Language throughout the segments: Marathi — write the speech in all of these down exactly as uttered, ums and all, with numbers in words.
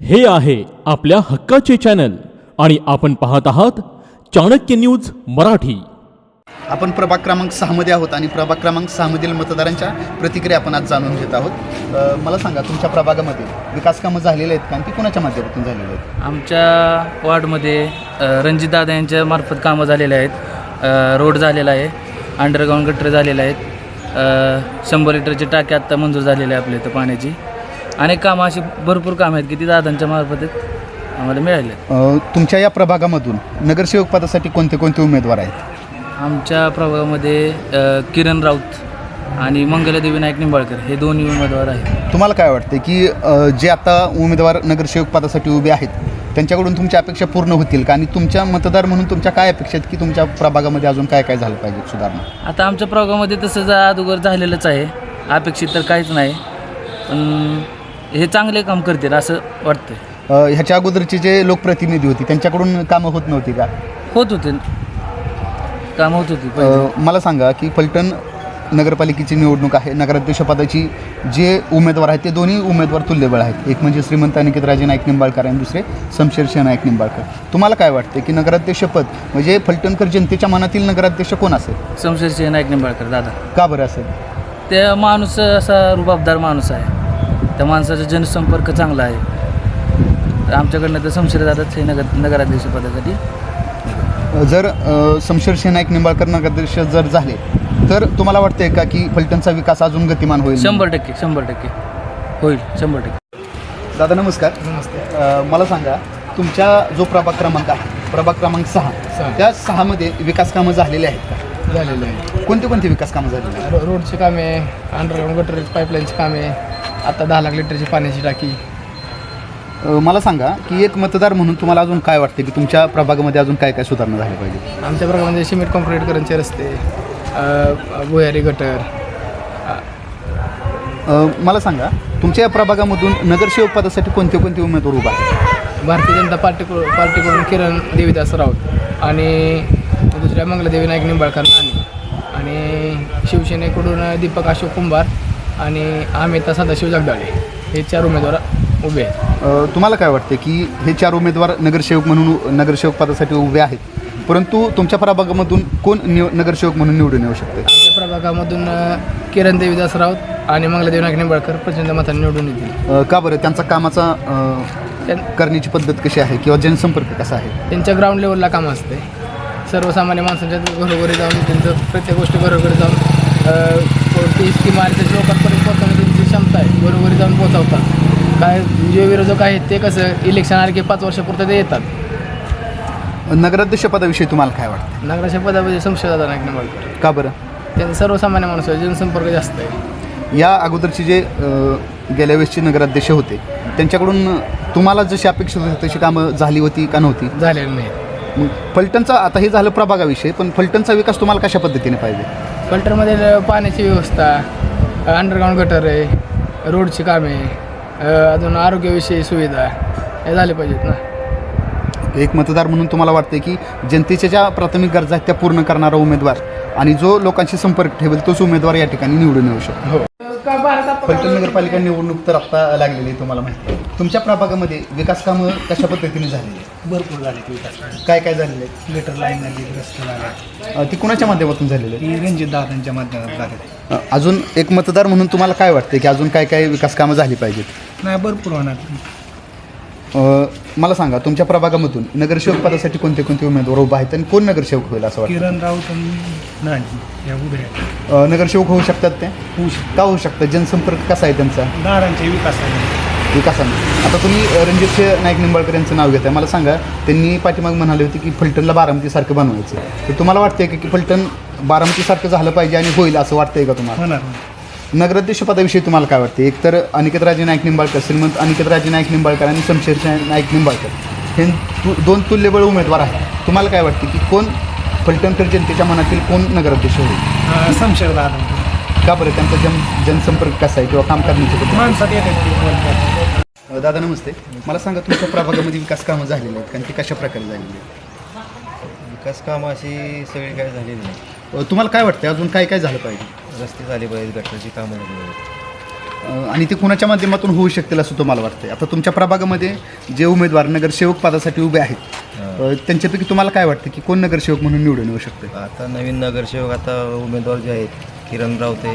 हे आहे आपल्या हक्काचे चॅनल आणि आपण पाहत आहात चाणक्य न्यूज मराठी। आपण प्रभाग क्रमांक सहा मध्ये आहोत आणि प्रभाग क्रमांक सहा मधील मतदारांच्या प्रतिक्रिया आपण आज जाणून घेत आहोत। अ, मला सांगा तुमच्या प्रभागामध्ये विकास कामं झालेले आहेत का आणि ती कोणाच्या माध्यमातून झालेली आहेत? आमच्या वार्डमध्ये रणजितदादा यांच्या मार्फत कामं झालेले आहेत। अ, रोड झालेला आहे, अंडरग्राऊंड गटर झालेले आहेत, अ, शंभर लिटरची टाकी आत्ता मंजूर झालेली आहे आपल्या इथं पाण्याची। अनेक कामं अशी भरपूर कामं आहेत की ती दादांच्या मार्फत आम्हाला मिळाली आहेत। अ, तुमच्या या प्रभागामधून नगरसेवक पदासाठी कोणते कोणते उमेदवार आहेत? आमच्या प्रभागामध्ये अ, किरण राऊत आणि मंगलादेवी नाईक निंबाळकर हे दोन्ही उमेदवार आहेत। तुम्हाला काय वाटतं की अ, जे आता उमेदवार नगरसेवक पदासाठी उभे आहेत त्यांच्याकडून तुमच्या अपेक्षा पूर्ण होतील का आणि तुमच्या मतदार म्हणून तुमच्या काय अपेक्षा आहेत की तुमच्या प्रभागामध्ये अजून काय काय झालं पाहिजे सुधारणा? आता आमच्या प्रभागामध्ये तसं जा अगोदर झालेलंच आहे, अपेक्षित तर काहीच नाही, पण हे चांगले काम करतील असं वाटतं। अ, ह्याच्या अगोदरचे जे लोकप्रतिनिधी होती त्यांच्याकडून कामं होत नव्हती का? होत होते काम होत होती पहिले। अ, मला सांगा की फलटण नगरपालिकेची निवडणूक आहे, नगराध्यक्षपदाची जे उमेदवार आहेत ते दोन्ही उमेदवार तुल्यबळ आहेत। एक म्हणजे श्रीमंत अनिकेतराजे नाईक निंबाळकर आणि दुसरे शमशेरसिंह नाईक निंबाळकर। तुम्हाला काय वाटते की नगराध्यक्षपद म्हणजे फलटणकर जनतेच्या मनातील नगराध्यक्ष कोण असेल? शमशेरसिंह नाईक निंबाळकर दादा। का बरं असेल? त्या माणूस असा रुबाबदार माणूस आहे, त्या माणसाचा जनसंपर्क चांगला आहे। तर आमच्याकडनं तर शमशेर दादाच हे नगर नगराध्यक्षपदासाठी। जर अ, शमशेरसिंह नाईक निंबाळकर नगराध्यक्ष जर झाले तर तुम्हाला वाटतंय का की फलटणचा विकास अजून गतिमान होईल? शंभर टक्के शंभर टक्के होईल, शंभर टक्के। दादा नमस्कार। नमस्ते। अ, मला सांगा तुमच्या जो प्रभाग क्रमांक आहे प्रभाग क्रमांक सहा सहा. त्या सहामध्ये विकास कामं झालेली आहेत का? झालेलं आहे। कोणते कोणते विकास कामं झालेली आहेत? रो रोडची कामे, अंडरग्राऊंड गटर पाईपलाईनची कामे, आता दहा लाख लिटरची पाण्याची टाकी। अ, मला सांगा की एक मतदार म्हणून तुम्हाला अजून काय वाटते की तुमच्या प्रभागामध्ये अजून काय काय सुधारणा झाली पाहिजे? आमच्या प्रभागामध्ये सिमेंट कॉन्क्रीट करंचे रस्ते, अ, भुयारी गटर। अ, मला सांगा तुमच्या या प्रभागामधून नगरसेवक पदासाठी कोणते कोणते उमेदवार उभा आहेत? भारतीय जनता पार्टी पार्टीकडून किरण देवीदास राऊत आणि दुसऱ्या मंगलादेवी नाईक निंबाळकर नानी आणि शिवसेनेकडून दीपक अशोक कुंभार आणि अमिता सदाशिव जगदाळे हे चार उमेदवार उभे आहेत। अ, तुम्हाला काय वाटते की हे चार उमेदवार नगरसेवक म्हणून नगरसेवक पदासाठी उभे आहेत, परंतु तुमच्या प्रभागामधून कोण निव नगरसेवक म्हणून निवडून येऊ शकते? आमच्या प्रभागामधून अ, किरण देवीदास राऊत आणि मंगलादेवी नाईक निंबाळकर प्रचंड मतांनी निवडून येतील। अ, का बरं? त्यांचा कामाचा अ, त्यां करण्याची पद्धत कशी आहे किंवा जनसंपर्क कसा आहे? त्यांच्या ग्राउंड लेवलला काम असते, सर्वसामान्य माणसांच्या घरोघरी जाऊन त्यांचं प्रत्येक गोष्टी घरोघरी जाऊन अ, कोणती स्कीम आली त्याच्या लोकांपर्यंत पोहोचवण्याची त्यांची क्षमता आहे, घरोघरी जाऊन पोहोचवतात। काय जे विरोधक आहेत ते कसं इलेक्शन आले की पाच वर्षापुरतं ते येतात। नगराध्यक्ष पदाविषयी तुम्हाला काय वाटतं? नगराच्या पदामध्ये शमशेरदादा नाईक निंबाळकर का बरं? त्यांचा सर्वसामान्य माणूस आहे, जनसंपर्क जास्त आहे। या अगोदरचे जे अ, गेल्या वेळेसचे नगराध्यक्ष होते त्यांच्याकडून तुम्हाला जशी अपेक्षित होती तशी कामं झाली होती का नव्हती? झालेलं नाही। मग फलटणचा आता हे झालं प्रभागाविषयी, पण फलटणचा विकास तुम्हाला कशा पद्धतीने पाहिजे? फलटणमध्ये पाण्याची व्यवस्था, अंडरग्राऊंड गटर आहे, रोडची कामे, अ, अजून आरोग्यविषयी सुविधा हे झाले पाहिजेत ना। एक मतदार म्हणून तुम्हाला वाटते की जनतेच्या ज्या प्राथमिक गरजा आहेत त्या पूर्ण करणारा उमेदवार आणि जो लोकांशी संपर्क ठेवेल तोच उमेदवार या ठिकाणी निवडून येऊ शकतो? हो। फलटण नगरपालिका निवडणूक तर आत्ता लागलेली आहे, तुम्हाला माहिती आहे। तुमच्या प्रभागामध्ये विकास कामं कशा पद्धतीने झालेली आहे? भरपूर झाले विकास, काय काय झालेले आहे? गटर लाईन झाली, रस्ते झाले, अ, ती कुणाच्या माध्यमातून झालेली आहे? ती रणजित दादांच्या माध्यमात झाले। अ, अजून एक मतदार म्हणून तुम्हाला काय वाटते की अजून काय काय विकास कामं झाली पाहिजेत? नाही भरपूर होणार। अ, मला सांगा तुमच्या प्रभागामधून नगरसेवक पदासाठी कोणते कोणते उमेदवार उभा आहेत आणि कोण नगरसेवक होईल असं वाटतं? किरण राऊत आणि नानी या उभे आहेत। अ, नगरसेवक होऊ शकतात ते? होऊ शकतो का होऊ शकतं? जनसंपर्क कसा आहे त्यांचा दादांच्या विकासाने। विकासाने? आता तुम्ही अ, रणजित नाईक निंबाळकर यांचं नाव घेताय, मला सांगा त्यांनी पाठीमाग म्हणाले होते की फलटणला बारामतीसारखं बनवायचं, तर तुम्हाला वाटतंय का की फलटण बारामतीसारखं झालं पाहिजे आणि होईल असं वाटतंय का तुम्हाला? होणार। नगराध्यक्ष पदाविषयी तुम्हाला काय वाटते? एकतर अनिकेतराजे नाईक निंबाळकर, श्रीमंत अनिकेतराजे नाईक निंबाळकर आणि शमशेरसिंह नाईक निंबाळकर हे तु दोन तुल्यबळ उमेदवार आहेत, तुम्हाला काय वाटते की कोण फलटणकर जनतेच्या मनातील कोण नगराध्यक्ष होईल? शमशेर दादा। का बरं? त्यांचा जन जनसंपर्क कसा आहे किंवा काम करण्याची पद्धत? माणसात येतात। अ, दादा नमस्ते। मला सांगा तुमच्या प्रभागामध्ये विकास कामं झालेली आहेत कारण ती कशा प्रकारे झालेली आहेत? विकास कामं अशी सगळी काय झालेली नाही। अ, तुम्हाला काय वाटतं अजून काय काय झालं पाहिजे? रस्ते झाले पाहिजे, गटरची कामं झाली पाहिजे। अ, आणि ते कुणाच्या माध्यमातून होऊ शकतील असं तुम्हाला वाटतं? आता तुमच्या प्रभागामध्ये जे उमेदवार नगरसेवक पदासाठी उभे आहेत अ, त्यांच्यापैकी तुम्हाला काय वाटतं की कोण नगरसेवक म्हणून निवडून येऊ शकते? आता नवीन नगरसेवक आता उमेदवार जे आहेत किरण रावते,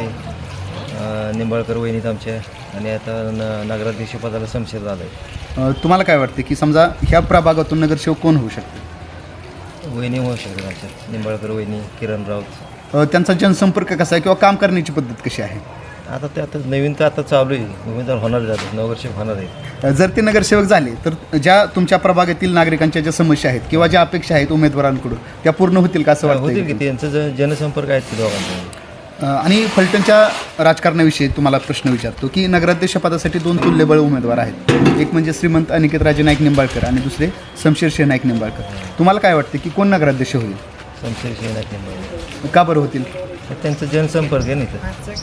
अं, निंबाळकर वहिनीत आमच्या, आणि आता न नगराध्यक्ष पदाला शमशेर दादा आहे. अ, तुम्हाला काय वाटतं की समजा ह्या प्रभागातून नगरसेवक कोण होऊ शकते? वहिनी होऊ शकते आमच्या, निंबाळकर वहिनी, किरण राऊत. अ, त्यांचा जनसंपर्क कसा आहे किंवा काम करण्याची पद्धत कशी आहे? आता ते आता नवीन तर आता चालू आहे, उमेदवार होणार जातात, नगरसेवक होणार आहेत. अ, जर ते नगरसेवक झाले तर ज्या तुमच्या प्रभागातील नागरिकांच्या ज्या समस्या आहेत किंवा ज्या अपेक्षा आहेत उमेदवारांकडून त्या पूर्ण होतील का असं होतील की वाटतं? त्यांचं ज जनसंपर्क आहेत की दोघांचा. आणि फलटणच्या राजकारणाविषयी तुम्हाला प्रश्न विचारतो की नगराध्यक्ष पदासाठी दोन तुल्यबळ उमेदवार आहेत. एक म्हणजे श्रीमंत अनिकेत राजे नाईक निंबाळकर आणि दुसरे शमशेर शेह नाईक निंबाळकर. तुम्हाला काय वाटतं की कोण नगराध्यक्ष होईल? शमशेर शेह नाईक निंबाळकर. का बरं होतील? तर त्यांचं जनसंपर्क आहे नाही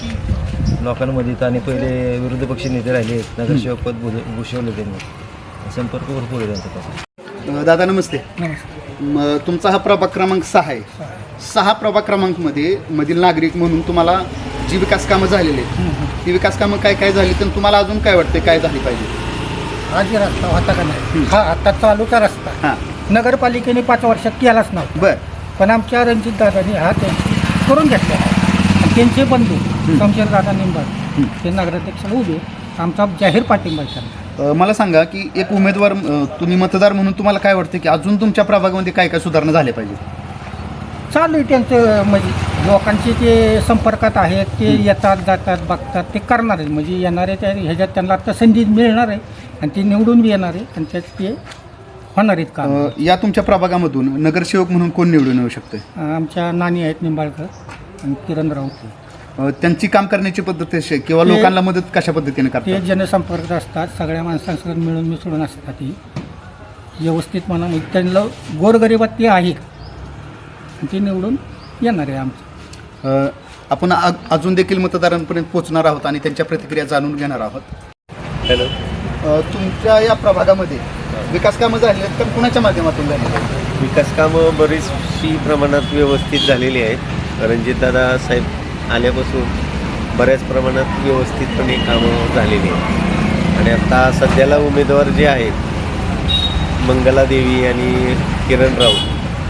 तर लोकांमध्ये तर, आणि पहिले विरोधी पक्ष नेते राहिले आहेत, नगरसेवक पद भूष- भूषवलं त्यांनी, संपर्क भरपूर आहे त्यांचा तसा. अ, दादा नमस्ते. म, तुमचा हा प्रभाग क्रमांक सहा आहे. सहा प्रभाग क्रमांकमध्ये मधील नागरिक म्हणून तुम्हाला जी विकास कामं झालेली आहेत ती विकास कामं काय काय झाली तर तुम्हाला अजून काय वाटते काय झाली पाहिजे? हा जे रस्ता होता का नाही, हा आता चालूचा रस्ता हां नगरपालिकेने पाच वर्षात केलाच नव्हता, बरं. पण आमच्या रणजित दादांनी हा त्यांची करून घेतला. आणि त्यांचे बंधू शमशेर दादा निंबाळकर ते नगराध्यक्षाला उभे, आमचा जाहीर पाठिंबा आहे त्यांना. अ, मला सांगा की एक उमेदवार अ, तुम्ही मतदार म्हणून तुम्हाला काय वाटतं की अजून तुमच्या प्रभागामध्ये काय काय सुधारणा झाल्या पाहिजे? चालू आहे त्यांचं, म्हणजे लोकांचे ते संपर्कात आहेत, ते येतात जातात बघतात, ते करणार आहे, म्हणजे येणारे त्या ह्याच्यात त्यांना आता संधी मिळणार आहे आणि ते निवडून बी येणार आहे आणि त्यात ते होणार आहेत काम. अ, या तुमच्या प्रभागामधून नगरसेवक म्हणून कोण निवडून येऊ शकते? आमच्या नानी आहेत निंबाळकर आणि किरण राऊत. अ, त्यांची काम करण्याची पद्धत कशी आहे किंवा ते- लोकांना मदत कशा पद्धतीने ते करतात? जनसंपर्क असतात, सगळ्या माणसांसोबत मिळून मिसळून असतात, ती व्यवस्थित म्हणा, म्हणजे त्यांना गोरगरिबात ते आहे आणि ते निवडून येणार आहे आमचं. अ, आपण अ- अजून देखील मतदारांपर्यंत पोहोचणार आहोत आणि त्यांच्या प्रतिक्रिया जाणून घेणार आहोत. हॅलो. अ, तुमच्या या प्रभागामध्ये विकास कामं झाली आहेत तर कुणाच्या माध्यमातून झालेली आहेत? विकास कामं बरीचशी प्रमाणात व्यवस्थित झालेली आहेत. रणजितदादा साहेब आल्यापासून बऱ्याच प्रमाणात व्यवस्थितपणे कामं झालेली आहेत. आणि आता सध्याला उमेदवार जे आहेत मंगलादेवी आणि किरण राऊत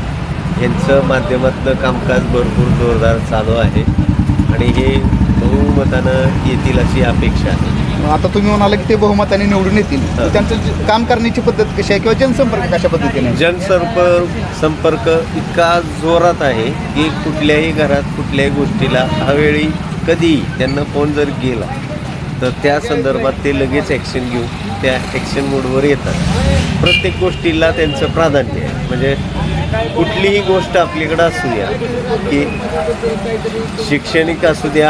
यांचं माध्यमातलं कामकाज भरपूर जोरदार चालू आहे आणि हे बहुमतानं येतील अशी अपेक्षा आहे. आता तुम्ही म्हणाला की ते बहुमताने निवडून येतील, तर त्यांचं जे काम करण्याची पद्धत कशी आहे किंवा जनसंपर्क कशा पद्धतीने आहे? जनसंपर्क संपर्क इतका जोरात आहे की कुठल्याही घरात कुठल्याही गोष्टीला अवेळी कधी त्यांना फोन जर गेला तर त्या संदर्भात ते लगेच ॲक्शन घेऊन त्या ॲक्शन मोडवर येतात. प्रत्येक गोष्टीला त्यांचं प्राधान्य आहे. म्हणजे कुठलीही गोष्ट आपल्याकडं असू द्या, की शैक्षणिक असू द्या,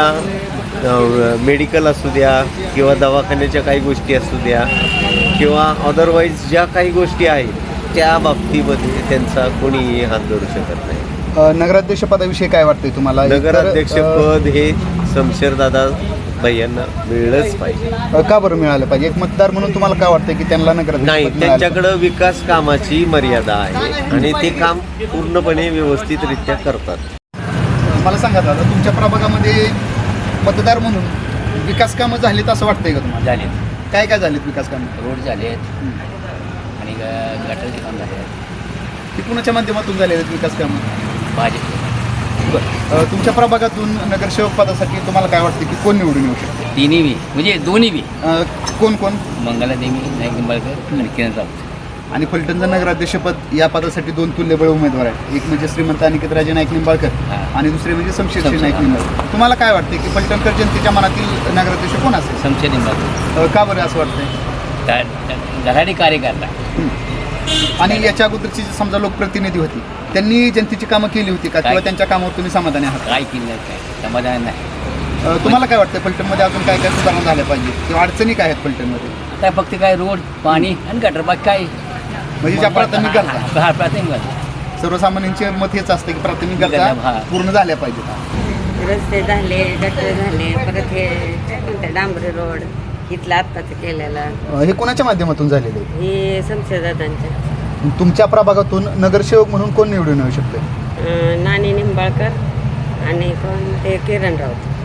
मेडिकल असू द्या, किंवा दवाखान्याच्या काही गोष्टी असू द्या, किंवा अदरवाईज ज्या काही गोष्टी आहेत त्या बाबतीमध्ये त्यांचा कोणीही हात धरू शकत नाही. अ, नगराध्यक्ष पदाविषयी काय वाटतंय तुम्हाला? तर, अ, नगराध्यक्षपद हे शमशेरदादा भैयांना मिळलंच पाहिजे. अ, का बरं मिळालं पाहिजे? एक मतदार म्हणून तुम्हाला काय वाटतं की त्यांना नगराध्यक्ष नाही, पद मिळालं त्यांच्याकडं विकास कामाची मर्यादा आहे आणि ते काम पूर्णपणे व्यवस्थितरित्या करतात. पाहिजे? मला सांगा दादा, तुमच्या प्रभागामध्ये मतदार म्हणून विकास कामं झालीत असं वाटतंय का तुम्हाला? झाले, काय काय झालीत विकास कामं? रोड झाले आहेत आणि ग- गटारचे काम झाले आहेत. ती कुणाच्या माध्यमातून झालेले आहेत विकास कामं? भाजप बरं. अ, तुमच्या प्रभागातून नगरसेवक पदासाठी तुम्हाला काय वाटतं की कोण निवडून येऊ शकते? तिन्ही बी म्हणजे दोन्ही बी अ, कोण कोण? मंगलादेवी नाईक निंबाळकर आणि किरण राऊत. आणि फलटणचं नगराध्यक्षपद या पदासाठी दोन तुल्यबळ उमेदवार आहेत. एक म्हणजे श्रीमंत अनिकेत राजे नाईक निंबाळकर हां. आणि दुसरे म्हणजे शमशेर शमशेर, नाईक हां. निंबाळकर. तुम्हाला काय वाटते की फलटणकर जनतेच्या मनातील नगराध्यक्ष कोण असेल? शमशेर निंबाळकर अ, का बरं असं वाटतंय? धडाडी कार्यकर्ता. आणि याच्या अगोदरची जी समजा लोकप्रतिनिधी होती त्यांनी जनतेची कामं केली होती का, किंवा काय? त्यांच्या कामावर तुम्ही समाधानी आहात? काय केलं नाही, काय समाधान नाही. अ, तुम्हाला काय वाटतं फलटणमध्ये अजून काय काय सुधारणा झाल्या पाहिजे किंवा अडचणी काय आहेत फलटणमध्ये? आता फक्त काय रोड पाणी आणि गटर बाकी काय म्हणजे ज्या प्राथमिक गरजा हा प्राथमिक गरजा. सर्वसामान्यांचे मत हेच असतं की प्राथमिक गरजा, गरजा हां. पूर्ण झाल्या पाहिजेत. रस्ते झाले, गटर झाले, परत हे कोणतं डांबरी रोड इथलं आत्ताचं केलेलं अ, हे कोणाच्या माध्यमातून झालेले आहे? हे शमशेरदादांच्या तुमच्या प्रभागातून नगरसेवक म्हणून कोण निवडून येऊ शकते? अं, नानी निंबाळकर आणि कोण ते किरण राऊत.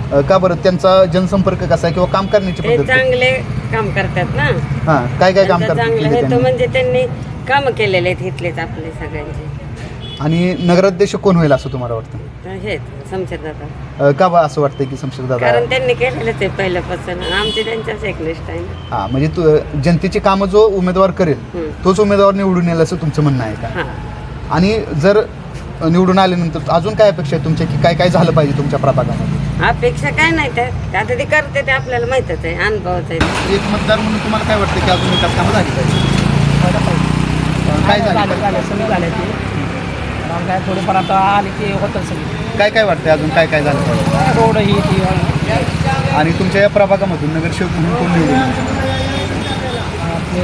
अ, का बरं त्यांचा जनसंपर्क कसा आहे किंवा काम करण्याची ते पद्धत चांगले काम करतात ना. हां काय काय काम त्यांचं करतात चांगलं केले होतं त्यांनी? म्हणजे त्यांनी कामं केलेले आहेत इथलेच आपले सगळ्यांचे. आणि नगराध्यक्ष कोण होईल असं तुम्हाला वाटतं? तर हेच शमशेरदादा, अ, का बा असं वाटतं की शमशेरदादा? कारण त्यांनी केलेलंच आहे पहिल्यापासून. आमचे त्यांच्याच एकनिष्ठ आहे ना. हां म्हणजे तू जनतेची कामं जो उमेदवार करेल हम्म. तोच उमेदवार निवडून येईल असं तुमचं म्हणणं आहे का? हां. आणि जर निवडून आल्यानंतर अजून काय अपेक्षा आहे तुमच्या की काय काय झालं पाहिजे तुमच्या प्रभागामध्ये? अपेक्षा काय नाही त्या ते आता ते करते ते आपल्याला माहीतच आहे, अनुभवच आहे. एक मतदार म्हणून तुम्हाला काय वाटतं की अजून विकास कामं झाली पाहिजे? अ, काय झाली झाले पाहिजे? झाले सगळी झाले ते मग काय थोडीफार आता आली की होतं सगळी काय काय वाटतं अजून काय काय झालं पाहिजे? रोड ही ती आणि तुमच्या या प्रभागामधून नगरसेवक म्हणून कोण निवडून येईल? आपले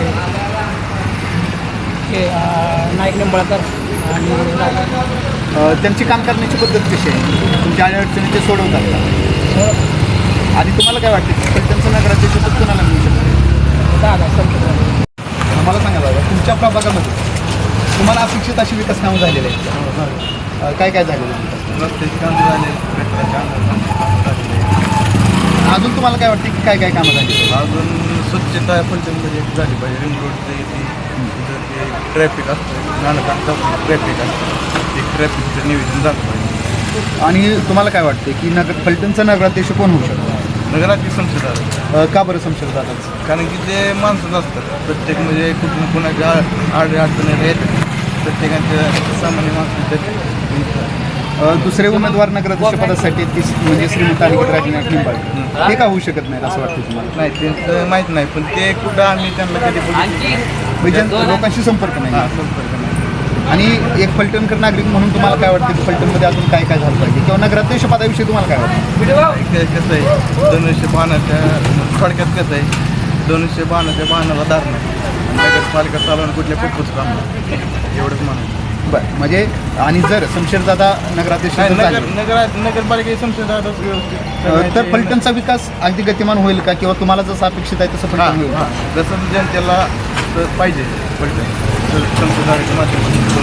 हे अं, नाईक निंबाळकर आणि अ, त्यांची काम करण्याची पद्धत कशी आहे? तुमच्या अडचणी ते सोडवतात का? आणि तुम्हाला काय वाटतं की त्यांचं नगराध्यक्ष पद कोणाला मिळू शकतं? दादा संपूर्ण मला सांगा दादा, तुमच्या प्रभागामध्ये तुम्हाला अपेक्षित अशी विकास कामं झालेली आहेत का? अ, काय काय झालेलं आहे विकास कामं? रस्त्याची कामं झाले अजून तुम्हाला काय वाटतं की काय काय कामं झाली आहेत? अजून स्वच्छता फलटणमध्ये झाली पाहिजे. रिंग रोडचं येते तिथं ते ट्रॅफिक असतं नानकांचा ट्रॅफिक असतं ते ट्रॅफिकचं नियोजन झालं पाहिजे. आणि तुम्हाला काय वाटते की नगर फलटणचा नगराध्यक्ष कोण होऊ शकतो? नगराची संसद आहे अ, का बरं शमशेरदादाच? कारण की ते माणसंच असतात प्रत्येक म्हणजे कुठून कुणाच्या आड अडचणी येतात प्रत्येकाच्या सामान्य माणसांच्या. अ, दुसरे उमेदवार नगराध्यक्ष पदासाठी आहेत की म्हणजे श्रीमंत अनिकेत राजेनाथ निंबाळकर, हे का होऊ शकत नाही असं वाटतं तुम्हाला? नाही त्यांचं माहीत नाही पण ते कुठं आम्ही त्यांना कधी बघितलं म्हणजे लोकांशी संपर्क नाही. हां संपर्क नाही. आणि एक फलटणकर नागरिक म्हणून तुम्हाला काय वाटतं की फलटणमध्ये अजून काय काय झालं पाहिजे किंवा नगराध्यक्ष पदाविषयी तुम्हाला काय वाटतं? ते कसं आहे दोनशे बाणाच्या थोडक्यात कसं आहे दोनशे बाणाच्या बाणाला धारणं नगरपालिका चालवणं कुठल्या पिकूच काम नाही. एवढंच म्हणून बरं म्हणजे आणि जर शमशेरदादा नगराध्यक्ष जर नगर झाले, नगर नगरपालिका संसदाच व्यवस्थित अ, तर फलटणचा विकास अगदी गतिमान होईल का किंवा तुम्हाला जसं अपेक्षित आहे तसं हां फलटण होईल? हां जसं जनतेला तर पाहिजे पडतं तर संसदाच्या माध्यमातून.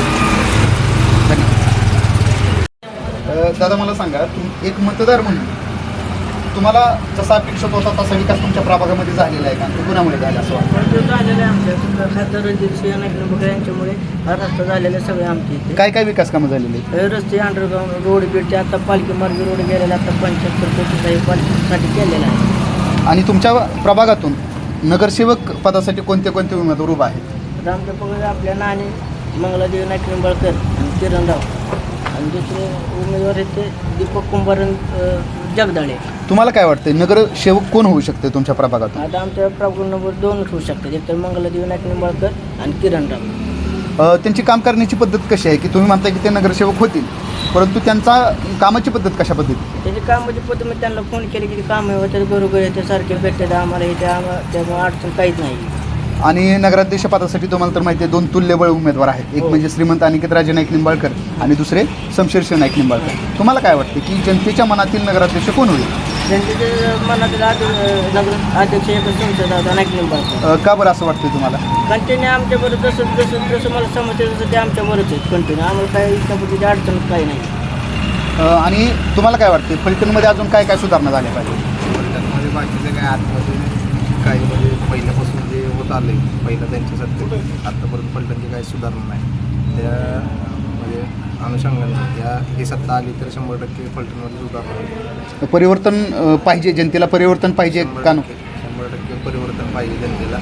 अ, दादा मला सांगा, तुम एक मतदार म्हणून तुम्हाला जसा अपेक्षित होता तसा विकास तुमच्या प्रभागामध्ये झालेला आहे का? तो कुणामुळे झाला असं वाटतं? झालेलं आहे आमच्या खासदार रणजित सिंह नाईक निंबाळकर यांच्यामुळे हा रस्ता झालेला आहे सगळे आमच्या इथे. काय काय विकास कामं झालेली आहेत? हे रस्ते अंडरग्राऊंड रोड बीडचे आता पालखी मार्गी रोड गेलेला आता पंच्याहत्तर कोटीचा हे पालखीसाठी केलेला आहे. आणि तुमच्या प्रभागातून नगरसेवक पदासाठी कोणते कोणते उमेदवार उभा आहेत? आमच्या पकडे आपल्या नाणी मंगलादेवी नाईक निंबाळकर आणि किरणराव आणि दुसरे उमेदवार आहेत ते दीपक कुंभार आणि जगदाळे. तुम्हाला काय वाटतं नगरसेवक कोण होऊ शकते तुमच्या प्रभागातून? आता आमच्या प्रॉब्लेम नंबर दोनच होऊ शकतात एक तर मंगलादेवी नाईक निंबाळकर आणि किरणराव. अ, त्यांची काम करण्याची पद्धत कशी आहे की तुम्ही म्हणता की ते नगरसेवक होतील परंतु त्यांचा कामाची पद्धत कशा पद्धती? त्याची कामाची पद्धत मी त्यांना फोन केले की काम होते घरोघरी येते सारखे भेटते आम्हाला येते आम्हाला त्यामुळे अडचण काहीच नाही. आणि नगराध्यक्ष पदासाठी तुम्हाला तर माहिती आहे दोन तुल्यबळ उमेदवार आहेत, एक म्हणजे श्रीमंत अनिकेत राजे नाईक निंबाळकर आणि दुसरे शमशेरसिंह नाईक निंबाळकर. तुम्हाला काय वाटतं की जनतेच्या मनातील नगराध्यक्ष कोण होईल? त्यांचे मनातील नगर अध्यक्ष एक संसद नाईक निंबाळकर. अ, का बरं असं वाटतं तुम्हाला? कंटिन्यू आमच्याबरोबर जसं जसं जसं मला समजतं तसं ते आमच्याबरोबरच आहेत कंटिन्यू आम्हाला काही इच्छा पद्धतीची अडचण काही नाही. अ, आणि तुम्हाला काय वाटते फलटणमध्ये अजून काय काय सुधारणा झाल्या पाहिजे? फलटणमध्ये बाकीचं काय आतमध्ये काही म्हणजे पहिल्यापासून जे होत आलं आहे पहिलं त्यांच्या सत्तेत आत्तापर्यंत फलटणची काही सुधारणा नाही. त्या म्हणजे अनुषंगाने या ही सत्ता आली तर शंभर टक्के फलटणमध्ये सुधारणा होईल. परिवर्तन अ, पाहिजे, जनतेला परिवर्तन पाहिजे का नको? शंभर टक्के परिवर्तन पाहिजे जनतेला.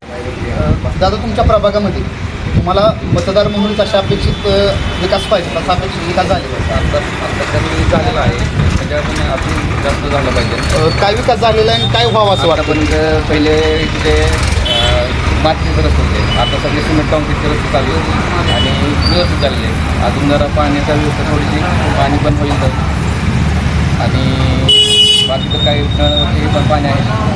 दादा तुमच्या प्रभागामध्ये तुम्हाला मतदार म्हणून कशा अपेक्षित अ, विकास पाहिजे तसा अपेक्षित विकास झाले पाहिजे? आता आता कमी झालेला आहे त्याच्यातून अजून जास्त झालं पाहिजे. अ, काय विकास झालेला आहे आणि काय व्हावं असं वाटतं? आतापर्यंत पहिले इथे मातीचे रस्ते होते आता सगळे सिमेंट कॉन्क्रीटचे रस्ते चालू आहेत आणि व्यवस्थित झालेले आहेत. अजून जरा पाण्याचा व्यवस्था थोडीशी पाणी पण होईल तर आणि बाकी तर काही हे पण पाणी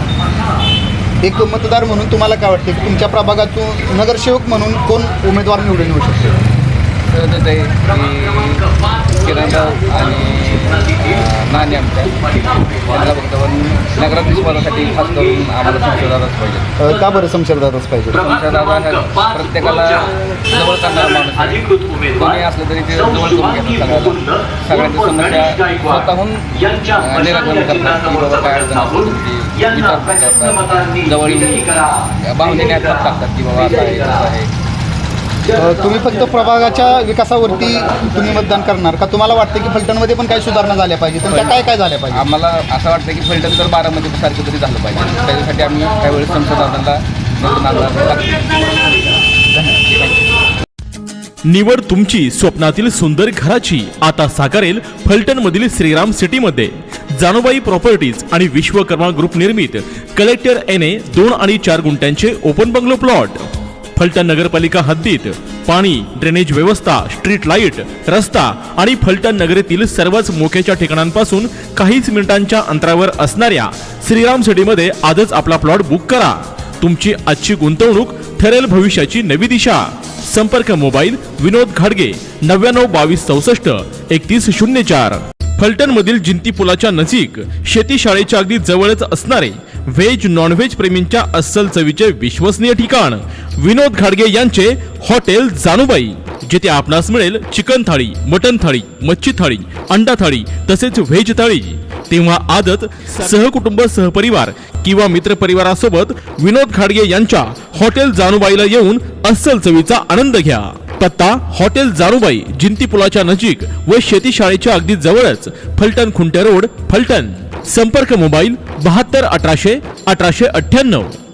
आहे. एक मतदार म्हणून तुम्हाला काय वाटते की तुमच्या प्रभागातून नगरसेवक म्हणून कोण उमेदवार निवडून येऊ शकतो? तर ते किराणा आणि अं, नाणे आमच्या त्यांना फक्त पण नगराध्यक्ष पदासाठी खास करून आम्हाला संशयदारच पाहिजे. अ, का बरं शमशेरदारच पाहिजे? संशयदार हा प्रत्येकाला जवळ करणारा माणूस आहे. कोणी असलं तरी ते जवळ करून घेतात सगळ्याला. सगळ्यांची समस्या स्वतःहून अं, निराकरण करतात की बाबा काय अडचण असेल तुमची विचारपूस करतात. जवळ येऊन भावनेने हातात टाकतात की बाबा असं आहे तसं आहे. अ, तुम्ही फक्त प्रभागाच्या विकासावरती तुम्ही मतदान करणार का तुम्हाला वाटतं की फलटणमध्ये पण काही सुधारणा झाल्या पाहिजे? तुमच्या काय काय झाल्या पाहिजे? आम्हाला असं वाटतं की फलटण तर बारामती सारखं तरी झालं पाहिजे. त्याच्यासाठी आम्ही त्यावेळेस संसदाला निवडून आणणार निवड तुमची स्वप्नातील सुंदर घराची आता साकारेल फलटण मधील श्रीराम सिटी मध्ये. जानूबाई प्रॉपर्टीज आणि विश्वकर्मा ग्रुप निर्मित कलेक्टर एन ए दोन आणि चार गुंठ्यांचे ओपन बंगलो प्लॉट. फलटण नगरपालिका हद्दीत पाणी, ड्रेनेज व्यवस्था, स्ट्रीट लाईट, रस्ता आणि फलटण नगरीतील सर्वच मोक्याच्या ठिकाणांपासून काहीच मिनिटांच्या अंतरावर असणाऱ्या श्रीराम सिटीमध्ये आजच आपला प्लॉट बुक करा. तुमची आजची गुंतवणूक ठरेल भविष्याची नवी दिशा. संपर्क मोबाईल विनोद घाडगे नव्याण्णव बावीस चौसष्ट एकतीस शून्य चार. फलटण मधील जिंती पुलाच्या नजीक शेती शाळेच्या अगदी जवळच असणारे व्हेज नॉन व्हेज प्रेमींच्या अस्सल चवीचे विश्वसनीय ठिकाण विनोद घाडगे यांचे हॉटेल जानूबाई, जिथे आपणास मिळेल चिकन थाळी, मटन थाळी, मच्छी थाळी, अंडा थाळी तसेच व्हेज थाळी. तेव्हा आजच सहकुटुंब, सहपरिवार किंवा मित्रपरिवारासोबत विनोद घाडगे यांच्या हॉटेल जानूबाईला येऊन अस्सल चवीचा आनंद घ्या. पत्ता हॉटेल जानूबाई, जिंती पुलाच्या नजीक व शेती शाळेच्या अगदी जवळच, फलटण खुंटे रोड, फलटण. संपर्क मोबाईल बहात्तर अठराशे अठराशे अठ्ठ्याण्णव.